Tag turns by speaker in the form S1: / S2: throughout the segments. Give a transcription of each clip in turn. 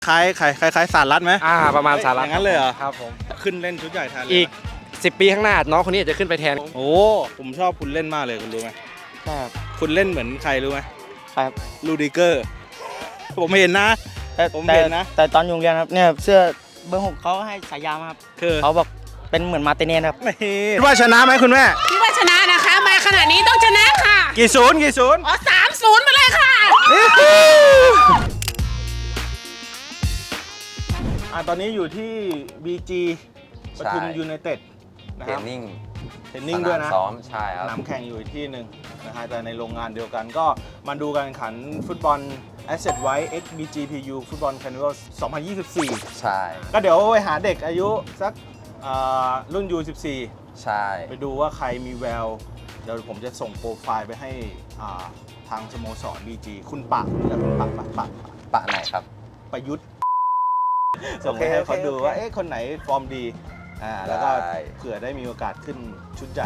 S1: คล้ายสารรัดไหม
S2: ประมาณสารรัด
S1: อย่างนั้นเลยเหรอ
S2: ครับผม
S1: ขึ้นเล่นชุดใหญ่แทนเลย
S2: อีก10 ปีข้างหน้าน้องคนนี้จะขึ้นไปแทน
S1: โอ้ผมชอบคุณเล่นมากเลยคุณรู้ไหม
S3: ครับ
S1: คุณเล่นเหมือนใครรู้ไหม
S3: ครับ
S1: ลูดิเกอร์ผมเห็นนะผมเห็นนะ
S3: แต่ตอนอยู่โรงเรียนครับเนี่ยเสื้อเบอร์ 6เขาให้ฉายามาครับ
S1: คือ
S3: เขาบอกเป็นเหมือนมาร์ติเนสครับ
S1: คิดว่าชนะไหมคุณแม่
S4: คิดว่าชนะนะคะมาขนาดนี้ต้องชนะค่ะ
S1: กี่ศูนย์
S4: อ๋อ3-0มาเลยค่ะ
S1: ตอนนี้อยู่ที่ BG ปทุมยูไนเต็ดนะ
S5: เท
S1: ค
S5: ร
S1: รับ
S5: นนิ่ง
S1: เทรนนิ่งด้วยนะ
S5: ซ้อมใช่ครับ
S1: สนามแข่งอยู่อีกที่หนึ่งนะฮะแต่ในโรงงานเดียวกันก็มาดูการแข่งขันฟุตบอล Asset White X BGPU ฟุตบอล Carnival 2024
S5: ใช่
S1: ก็เดี๋ยวไปหาเด็กอายุสักรุ่น U14
S5: ใช่
S1: ไปดูว่าใครมีแววเดี๋ยวผมจะส่งโปรไฟล์ไปให้ทางสโมสร BG คุณปะและคุณปะ
S5: ปะไหนครับ
S1: ประยุทธ์ส่งไปให้เขาดูว่าคนไหนฟอร์มดีแล้วก็เผื่อได้มีโอกาสขึ้นชุดใหญ่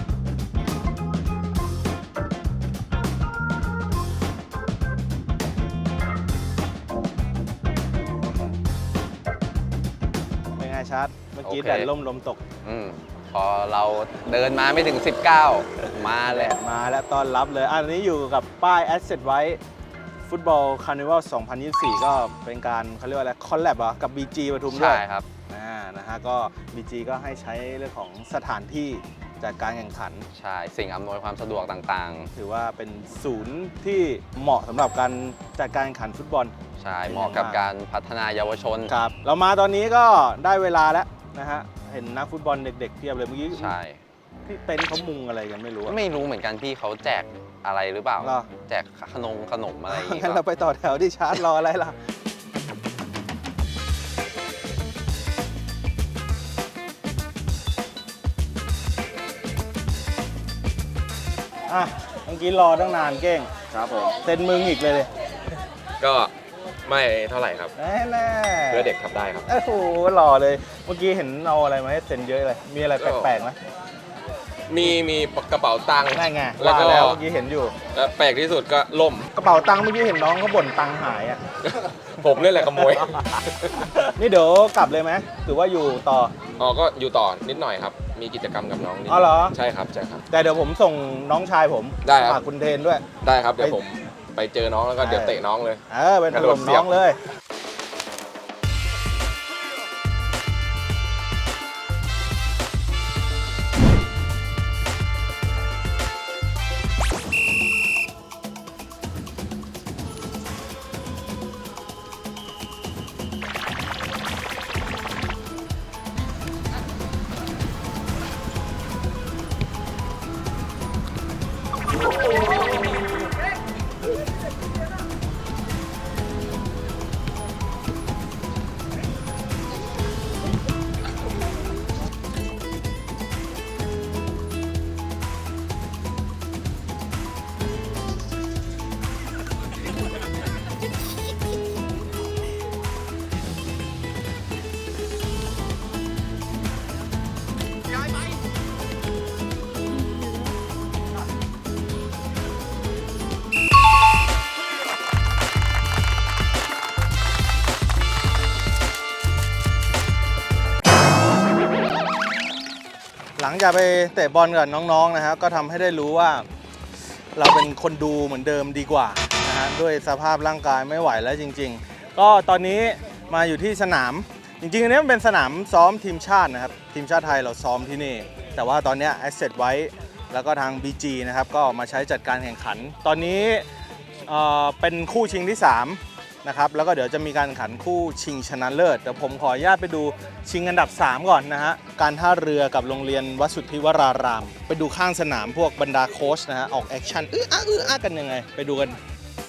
S1: เป็นไงชัดเมื่อกี้แดดล่มลมตก
S5: พอเราเดินมาไม่ถึง19มาเลย
S1: มาแล้วต้อนรับเลยอันนี้อยู่กับป้าย Asset ไว้ฟุตบอลคาร์นิวัล 2024 ก็เป็นการเขาเรียกว่าอะไรคอลแลบกับ BG ปทุมด้วย
S5: ใช่ครับ
S1: นะฮะก็ BG ก็ให้ใช้เรื่องของสถานที่จัดการแข่งขัน
S5: ใช่สิ่งอำนวยความสะดวกต่าง
S1: ๆถือว่าเป็นศูนย์ที่เหมาะสำหรับการจัดการแข่งขันฟุตบอล
S5: ใช่เหมาะกับการพัฒนาเยาวชน
S1: ครับเรามาตอนนี้ก็ได้เวลาแล้วนะฮะเห็นนักฟุตบอลเด็กๆเพียบเลยเมื่อกี้
S5: ใช่
S1: พี่เต็นท์เขามุงอะไรกันไม่รู้
S5: เหมือนกันพี่เขาแจกอะไรหรือเปล่าแจกขนมอะไรอย่างเงี้ย
S1: งั้นเราไปต่อแถวที่ชาร์จรออะไรล่ะเมื่อกี้รอตั้งนานเก้ง
S2: ครับผม
S1: เซ็นมึงอีกเลย
S2: ก็ไม่เท่าไหร่ครับ
S1: แน่
S2: เพื่อเด็กทำได้ครับ
S1: โอ้โหหล่อเลยเมื่อกี้เห็นเอาอะไรมาให้เซ็นเยอะเลยมีอะไรแปลกๆไหม
S2: มีกระเป๋าตังค์
S1: ได้ไงแล้วก็เมื่อกี้เห็นอยู่
S2: แล้วแปลกที่สุดก็ล่ม
S1: กระเป๋าตังค์เมื่อกี้เห็นน้องเขาบ่นตังค์หาย
S2: ผมนี่แหละขโมย
S1: นี่เดี๋ยวกลับเลยไหมหรือว่าอยู่ต่อ
S2: ก็อยู่ต่อนิดหน่อยครับมีกิจกรรมกับน้องนิด
S1: เหรอ
S2: ใช่ครับ
S1: แต่เดี๋ยวผมส่งน้องชายผม
S2: ได้ครับ
S1: คุณเทนด้วย
S2: ได้ครับเดี๋ยวผมไปเจอน้องแล้วก็เดี๋ยวเตะน้องเลย
S1: เป็นถล่มน้องเลยหลังจากไปเตะบอลกับน้องๆนะครับก็ทำให้ได้รู้ว่าเราเป็นคนดูเหมือนเดิมดีกว่านะฮะด้วยสภาพร่างกายไม่ไหวแล้วจริงๆก็ตอนนี้มาอยู่ที่สนามจริงๆอันนี้มันเป็นสนามซ้อมทีมชาตินะครับทีมชาติไทยเราซ้อมที่นี่แต่ว่าตอนนี้ Asset ไว้แล้วก็ทาง BG นะครับก็มาใช้จัดการแข่งขันตอนนี้เป็นคู่ชิงที่3นะครับแล้วก็เดี๋ยวจะมีการแข่งขันคู่ชิงชนะเลิศเดี๋ยวผมขออนุญาตไปดูชิงอันดับ3ก่อนนะฮะการท่าเรือกับโรงเรียนวสุทธิวรารามไปดูข้างสนามพวกบรรดาโค้ชนะฮะออกแอคชั่นอ้ากันยังไงไปดูกัน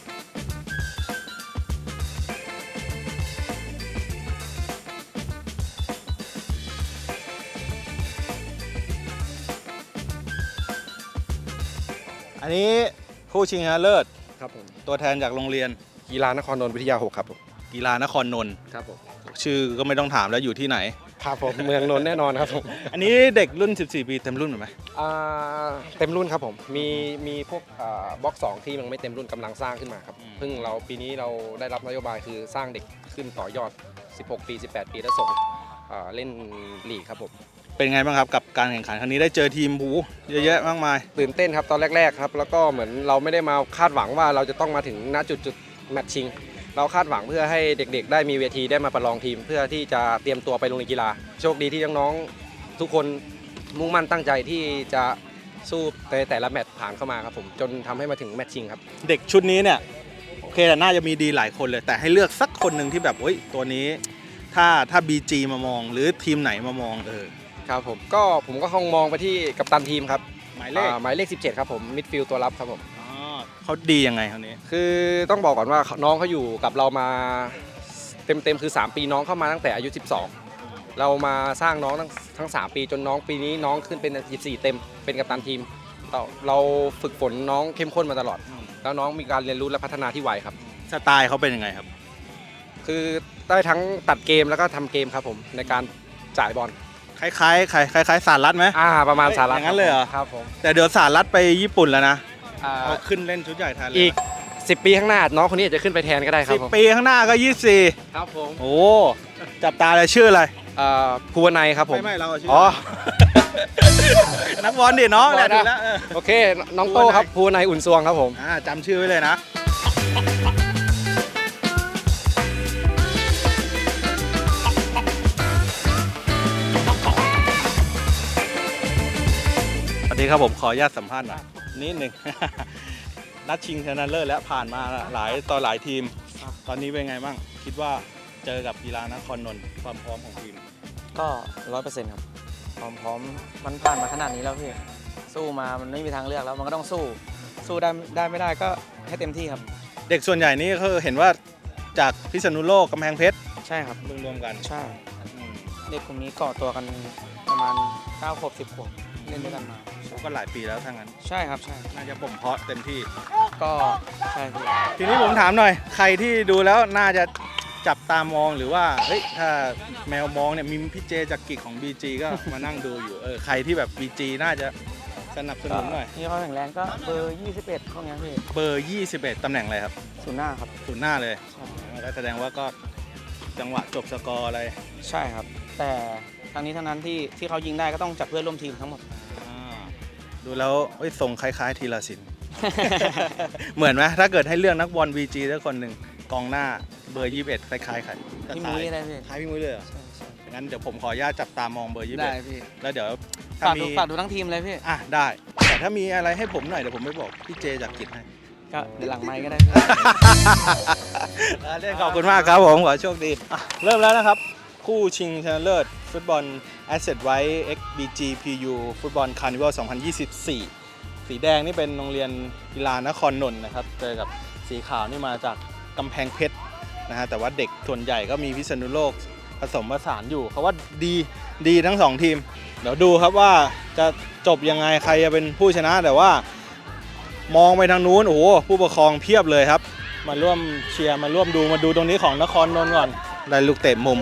S1: อันนี้คู่ชิงชนะเลิศ
S2: ครับผม
S1: ตัวแทนจากโรงเรียน
S2: กีฬานครนนท์วิทยา6ครับผม
S1: กีฬานครนนท์
S6: ครับผม
S1: ชื่อก็ไม่ต้องถามแล้วอยู่ที่ไหน
S6: ครับผมเมืองนนท์แน่นอนครับผม
S1: อันนี้เด็กรุ่น 14 ปีเต็มรุ่นไหม
S6: เต็มรุ่นครับผมมีพวกบล็อก2ที่ยังไม่เต็มรุ่นกำลังสร้างขึ้นมาครับเพิ่งเราปีนี้เราได้รับนโยบายคือสร้างเด็กขึ้นต่อยอด 16 ปี 18 ปีแล้วส่งเล่นลีกครับผม
S1: เป็นไงบ้างครับกับการแข่งขันครั้งนี้ได้เจอทีมบูเยอะแยะมากมาย
S6: ตื่นเต้นครับตอนแรกๆครับแล้วก็เหมือนเราไม่ได้มาคาดหวังว่าเราจะต้องมาถึงณจุดแมตช์ชิงเราคาดหวังเพื่อให้เด็กๆได้มีเวทีได้มาประลองทีม เพื่อที่จะเตรียมตัวไปลงในกีฬาโชคดีที่น้องๆทุกคนมุ่งมั่นตั้งใจที่จะสู้แต่ละแมตช์ผ่านเข้ามาครับผมจนทำให้มาถึงแมตช์ชิงครับ
S1: เด็กชุดนี้เนี่ยโอเคแต่น่าจะมีดีหลายคนเลย แต่ให้เลือกสักคนหนึ่งที่แบบตัวนี้ถ้า BG มามองหรือทีมไหนมามอง
S6: ครับผมก็คงมองไปที่กัปตันทีมครับ
S1: หมายเลข
S6: 17ครับผมมิดฟิลด์ตัวรับครับผม
S1: เขาดียังไงคนนี้
S6: คือต้องบอกก่อนว่าน้องเขาอยู่กับเรามาเต็มคือ3ปีน้องเข้ามาตั้งแต่อายุ12เรามาสร้างน้องทั้ง3ปีจนน้องปีนี้น้องขึ้นเป็น14เต็มเป็นกัปตันทีมเราฝึกฝนน้องเข้มข้นมาตลอดแล้วน้องมีการเรียนรู้และพัฒนาที่ไวครับ
S1: สไตล์เขาเป็นยังไงครับ
S6: คือได้ทั้งตัดเกมแล้วก็ทำเกมครับผมในการจ่ายบอล
S1: คล้ายสารรัฐไหม
S6: ประมาณสาระ
S1: อย่างนั้นเลยเหรอ
S6: ครับผม
S1: แต่เดี๋ยวสารรัฐไปญี่ปุ่นแล้วนะเขาขึ้นเล่นชุดใหญ่แทนเลย
S6: อีก10 ปีข้างหน้าน้องคนนี้อาจจะขึ้นไปแทนก็ได้ครับผม
S1: 10 ปีข้างหน้าก็ 24
S6: ครับผม
S1: โอ้จับตาเลยชื่ออะไร
S6: ภูวนัยครับผม
S1: ไม่เราชื่อ
S6: อ๋อ
S1: นักบอลดิน้องแหละถูกแล้ว
S6: โอเคน้องโต้ครับภูวนัยอุ่นซวงครับผม
S1: จำชื่อไว้เลยนะสวัสดีครับผมขออนุญาตสัมภาษณ์หน่อยนิดหนึ่ง นัดชิงชนะเลิศแล้วผ่านมาหลายทีม ตอนนี้เป็นไงบ้างคิดว่าเจอกับกีฬานครนนท์ความพร้อมของทีม
S3: ก็ 100%ครับความพร้อมมันผ่านมาขนาดนี้แล้วพี่สู้มามันไม่มีทางเลือกแล้วมันก็ต้องสู้ได้ไม่ได้ก็ให้เต็มที่ครับ
S1: เด็กส่วนใหญ่นี่คือเห็นว่าจากพิษณุโลกกำแพงเพชร
S3: ใช่ครับ
S1: รวมกัน
S3: ใช่เด็กกลุ่มนี้ก่อตัวกันประมาณ9 ขวบ 10 ขวบเล่นด้วยกันมา
S1: ก็หลายปีแล้วทั้งนั้น
S3: ใช่ครับใช่
S1: น่าจะบ่มเพาะเต็มที่
S3: ก็ใช่พี่
S1: ทีนี้ผมถามหน่อย ใครที่ดูแล้วน่าจะจับตามองหรือว่าเฮ้ยถ้าแมวมองเนี่ยมีพี่เจจากกิจของ BG ก็มานั่งดูอยู่ใครที่แบบ BG น่าจะสนับสนุนหน่อย
S3: ที่เขาแข็งแรงก็เบอร์ 21พวกนี้พี่
S1: เบอร์ 21 ตำแหน่งอะไรครับ
S3: ศูนย์หน้าครับ
S1: ศูนย์หน้าเลย
S3: ใช่
S1: ก็แสดงว่าก็จังหวะจบสกอร์อะไร
S3: ใช่ครับ แต่ทั้งนี้ทั้งนั้นที่เขายิงได้ก็ต้องจับเพื่อนร่วมทีมทั้งหมด
S1: ดูแล้วทรงคล้ายๆธีรศิลป์ เหมือนไหมถ้าเกิดให้เลือกนักบอล BG สักคนหนึ่งกองหน้าเบอร์ 21 คล้ายๆใคร
S3: พี่มุ้ยได้พี่
S1: คล้ายพี่มุ้ยเลยเหรอ งั้นเดี๋ยวผมขออนุญาตจับตามองเบอร์ 21
S3: ได้พี่
S1: แล้วเดี๋ยวถ้า
S3: ฝาก
S1: มี
S3: ดูทั้งทีมเลยพี่
S1: ได้ แต่ถ้ามีอะไรให้ผมหน่อยเดี๋ยวผมไม่บอกพี่เจจากกิจให้
S3: ก็เดี๋ยวหลังไมค์ก็ได้พี่
S1: ขอบคุณมากครับผมขอโชคดีเริ่มแล้วนะครับ คู่ชิงชนะเลิศฟุตบอล Asset White XBG PU ฟุตบอลคาร์นิวัล 2024 สีแดงนี่เป็นโรงเรียนกีฬานครนนท์นะครับเจอกับสีขาวนี่มาจากกำแพงเพชรนะฮะแต่ว่าเด็กส่วนใหญ่ก็มีพิษณุโลกผสมผสานอยู่เขาว่าดีทั้งสองทีม เดี๋ยวดูครับว่าจะจบยังไงใครจะเป็นผู้ชนะแต่ว่ามองไปทางนู้นโอ้โหผู้ปกครองเพียบเลยครับมาร่วมเชียร์มาร่วมดูมาดูตรงนี้ของนครนนท์ก่อนได้ลูกเตะมุม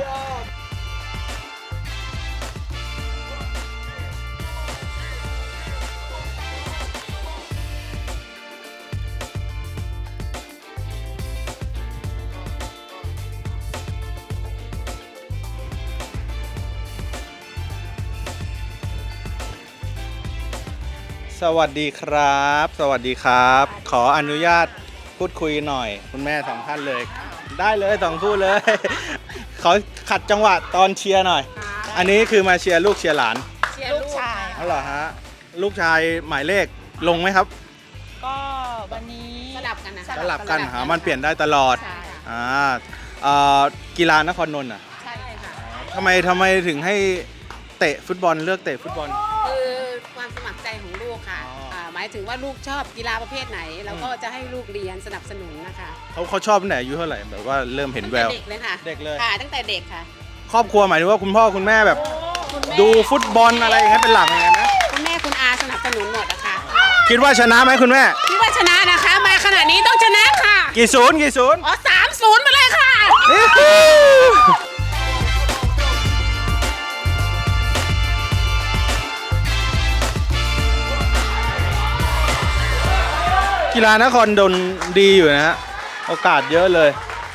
S1: สวัสดีครับ สวัสดีครับ ขออนุญาตพูดคุยหน่อยคุณแม่สองท่านเลย ได้เลยสองคู่เลย เขาขัดจังหวะตอนเชียร์หน่อย อันนี้คือมาเชียร์ลูกเชียร์หลาน
S4: เชียร์ลูกชาย
S1: อ๋อเหรอฮะลูกชายหมายเลขลงไหมครับ
S4: ก็วันนี้สลับกันนะ
S1: สลับกันหามันเปลี่ยนได้ตลอด
S4: ใช่
S1: กีฬานครนนท์อ่ะ
S4: ใช่ค่ะ
S1: ทำไมถึงให้เตะฟุตบอลเลือกเตะฟุตบอล
S4: คือความสมัครใจของลูกค่ะ
S1: อ๋ออ่
S4: หมายถึงว่าลูกชอบกีฬาประเภทไหนเราก็จะให้ลูกเรียนสนับสนุนนะคะ
S1: เขาชอบตั้งแต่อายุเท่าไหร่แบบว่าเริ่มเห็นแวว
S4: ตั้งแต่เด็กเลยค่ะ
S1: เด็กเลย
S4: ค่ะตั้งแต่เด็กค่ะ
S1: ครอบครัวหมายถึงว่าคุณพ่อคุณแม่แบบ
S4: คุณแม่
S1: ดูฟุตบอลอะไรอย่างเงี้ยเป็นหลักอย่างเงี้ยนะ
S4: คุณแม่คุณอาสนับสนุนหมดนะคะ
S1: คิดว่าชนะไหมคุณแม่
S4: คิดว่าชนะนะคะ มาขนาดนี้ต้องชนะค่ะ
S1: กี่ศูนย์
S4: อ๋อ3-0ไปเลยค่ะ
S1: กีฬานครนนท์ดีอยู่นะฮะ โอกาสเยอะเลย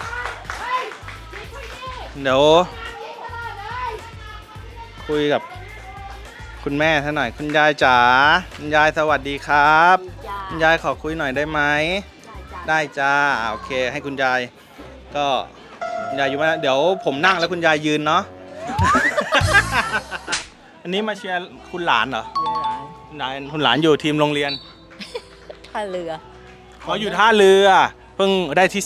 S1: เดี๋ยวคุยกับคุณแม่ท่านหน่อย คุณยายจ๋า คุณยายสวัสดีครับ คุณยายขอคุยหน่อยได้ไหม ได้จ้าโอเค ให้คุณยายก็คุณยายอยู่มาเดี๋ยวผมนั่งแล้วคุณยายยืนเนาะ อันนี้มาเชียร์คุณหลานเหรอ คุณหลานอยู่ทีมโรงเรียน
S7: ท่าเรือ
S1: เขาอยู่ท่าเรือเพิ่งได้ที่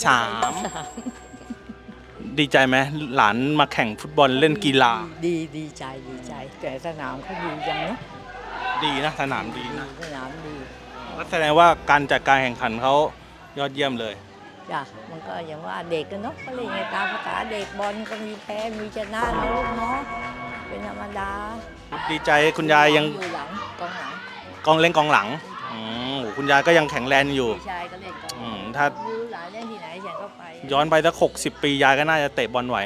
S1: 3 ดีใจไหมหลานมาแข่งฟุตบอลเล่นกีฬา
S7: ดีใจแต่สนามเขาดีจังเนาะ
S1: ดีนะสนามดีนะ
S7: สนามดี
S1: ก็แสดงว่าการจัดการแข่งขันเขายอดเยี่ยมเลย
S7: จ้ะมันก็อย่างว่าเด็กกันเนาะก็เลยไงตามภาษาเด็กบอลก็มีแพ้มีชนะนะลูกเนาะเป็นธรรมดา
S1: ดีใจคุณยายยัง
S7: อยู่หลังกองหลัง
S1: เล่นกองหลังโอ้คุณยายก็ยังแข็งแรงอยู่
S7: พี่ชายก็เล่นกองหลัง
S1: ถ้า
S7: รู้หลานเล่นที่ไหนฉันก็ไป
S1: ย้อนไปสัก60 ปียายก็น่าจะเตะบอลไหว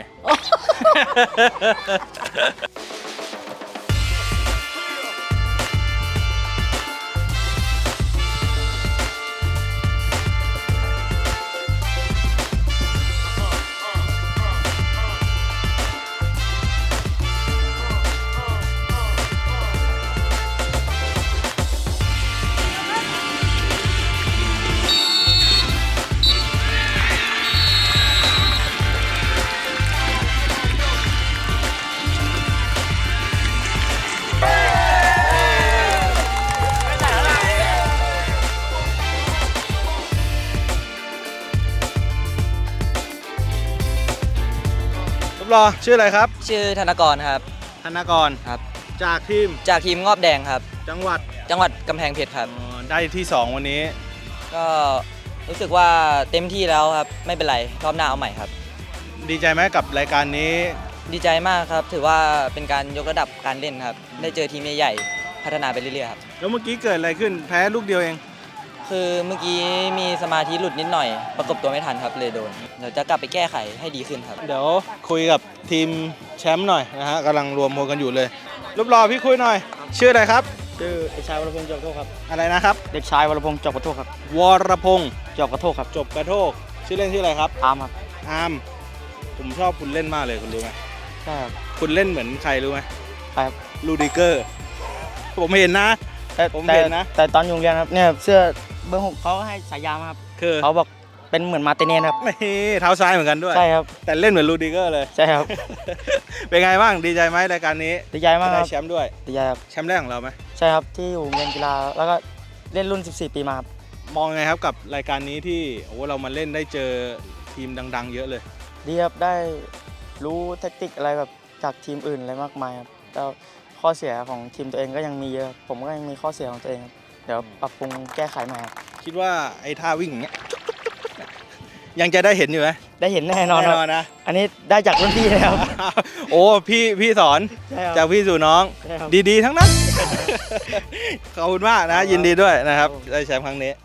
S1: รูปรอชื่ออะไรครับ
S3: ชื่อธนกรครับ
S1: ธนกร
S3: ครับ
S1: จากทีม
S3: จากทีมงอบแดงครับ
S1: จังหวัด
S3: จังหวัดกำแพงเพชรครับ
S1: ได้ที่ 2 วันนี้
S3: ก็รู้สึกว่าเต็มที่แล้วครับ ไม่เป็นไรรอบหน้าเอาใหม่ครับ
S1: ดีใจไหมกับรายการนี้
S3: ดีใจมากครับ ถือว่าเป็นการยกระดับการเล่นครับ ได้เจอทีมใหญ่ๆพัฒนาไปเรื่อยๆครับ
S1: แล้วเมื่อกี้เกิดอะไรขึ้นแพ้ลูกเดียวเอง
S3: คือเมื่อกี้มีสมาธิหลุดนิดหน่อย ประกบตัวไม่ทันครับเลยโดน เดี๋ยวจะกลับไปแก้ไขให้ดีขึ้นครับ
S1: เดี๋ยวคุยกับทีมแชมป์หน่อยนะฮะกำลังรวมพลกันอยู่เลยรูปรอพี่คุยหน่อย ชื่ออะไรครับ
S3: ชื่อเด็กชายวรพงศ์จอบกระโทกครับ
S1: อะไรนะครับ
S3: เด็กชายวรพงศ์จอบกระโทกครับ
S1: วรพงศ์
S3: จอบกระโทกครับ
S1: จบกระโทกชื่อเล่นชื่ออะไรครับ
S3: อาร์มครับ
S1: อาร์มผมชอบคุณเล่นมากเลยคุณรู้ไหม
S3: ใช่ครับ
S1: คุณเล่นเหมือนใครรู้ไหม
S3: ใช่ครับ
S1: ลูดิเกอร์ผมเห็นนะ ผมเห็นนะ
S3: แต่ตอนอยู่โรงเรียนครับเนี่ยเสื้อเบอร์ 6เขาให้ฉายามาครับ
S1: คือ
S3: เขาบอกเป็นเหมือนมาร์ติเนสครับ
S1: นี่เท้าซ้ายเหมือนกันด้วย
S3: ใช่ครับ
S1: แต่เล่นเหมือนลูดิเกอร์เลย
S3: ใช่ครับ
S1: เป็นไงบ้างดีใจไหมรายการนี้
S3: ดีใจมากค
S1: ได้
S3: รับ
S1: แชมป์ด้วย
S3: ดีใจครับ
S1: แชมป์แรกของเราไหม
S3: ใช่ครับที่อยู่โรงเรียนกีฬาแล้วก็เล่นรุ่น 14 ปีมาครับ
S1: มองไงครับกับรายการนี้ที่โอ้เรามาเล่นได้เจอทีมดัง ๆ เยอะเลย
S3: ดีครับได้รู้แทคติกอะไรแบบจากทีมอื่นอะไรมากมายครับแต่ข้อเสียของทีมตัวเองก็ยังมีเยอะ ผมก็ยังมีข้อเสียของตัวเองครับเดี๋ยวปรับปรุงแก้ไขใหม่ครับ
S1: คิดว่าไอ้ท่าวิ่งอย่างเงี้ย ยังจะได้เห็นอยู่ไหม
S3: ได้เห็นแน่นอน
S1: แน่
S3: ครับ
S1: นอนนะ
S3: อันนี้ได้จากรุ่นพี่เลยครับ
S1: โอ้พี่สอน
S3: ใช่ครับ
S1: จากพี่สู่น้อง
S3: ใช่ครับ
S1: ดีๆ ทั้งนั้น ขอบคุณมากนะ ยินดีด้วยนะครับ ได้แชมป์ครั้งนี้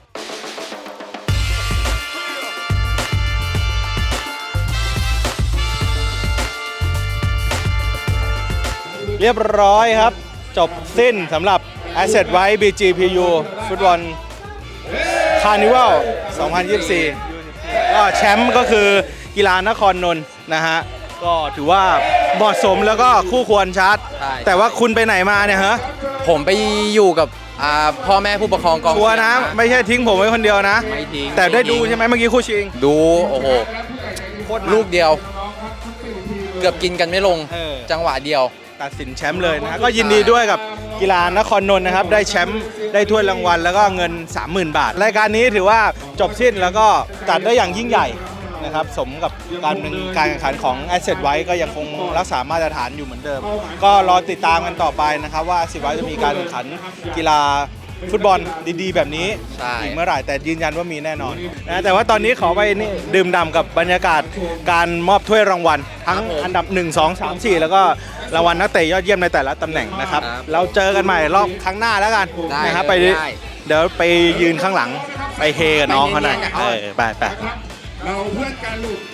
S1: เรียบร้อยครับ จบสิ้นสำหรับ Asset White BGPU ฟุตบอลคาร์นิวัล 2024 ก็แชมป์ก็คือกีฬานครนนท์นะฮะ ก็ถือว่าเหมาะสมแล้วก็คู่ควรชัด
S2: ใช่
S1: แต่ว่าคุณไปไหนมาเนี่ยฮะ
S2: ผมไปอยู่กับพ่อแม่ผู้ปกครองกอง
S1: ชัวร์นะ
S2: เชีย
S1: ไม่ใช่ทิ้งผมไว้คนเดียวนะ
S2: ไม่ทิ้ง
S1: แต่ได้ดู
S2: ทิ้ง
S1: ใช่ไหมเมื่อกี้คู่ชิง
S2: ดู โอ้โห
S1: โคตรมัน
S2: ลูกเดียว เกือบกินกันไม่ลง
S1: เออ
S2: จังหวะเดียว
S1: ตัดสินแชมป์เลยนะฮะก็ยินดีด้วยกับกีฬานครนนท์นะครับได้แชมป์ได้ถ้วยรางวัลแล้วก็เงิน 30,000 บาท รายการนี้ถือว่าจบสิ้นแล้วก็จัดได้อย่างยิ่งใหญ่นะครับสมกับการเป็นการแข่งขันของ Asset ไว้ก็ยังคงรักษามาตรฐานอยู่เหมือนเดิม ก็รอติดตามกันต่อไปนะครับว่า Asset ไว้จะมีการแข่งขันกีฬาฟุตบอลดีๆ แบบนี้
S2: ใช่
S1: อีกเมื่อไหร่แต่ยืนยันว่ามีแน่นอนนะแต่ว่าตอนนี้ขอไปนี่ดื่มด่ำกับบรรยากาศการมอบถ้วยรางวัล ทั้งอันดับ 1 2 3 4 แล้วก็รางวัลนักเตะยอดเยี่ยมในแต่ละตำแหน่งนะครับ เราเจอกันใหม่รอบครั้งหน้าแล้วกัน
S2: ได้
S1: นะครับ
S2: เลย
S1: ไป
S2: ได้
S1: เดี๋ยวไปยืนข้างหลังไปเฮกับน้องเขาหน่อย
S2: ไปเฮกับเขา
S1: ไป
S8: เราเพื่อนกันลูก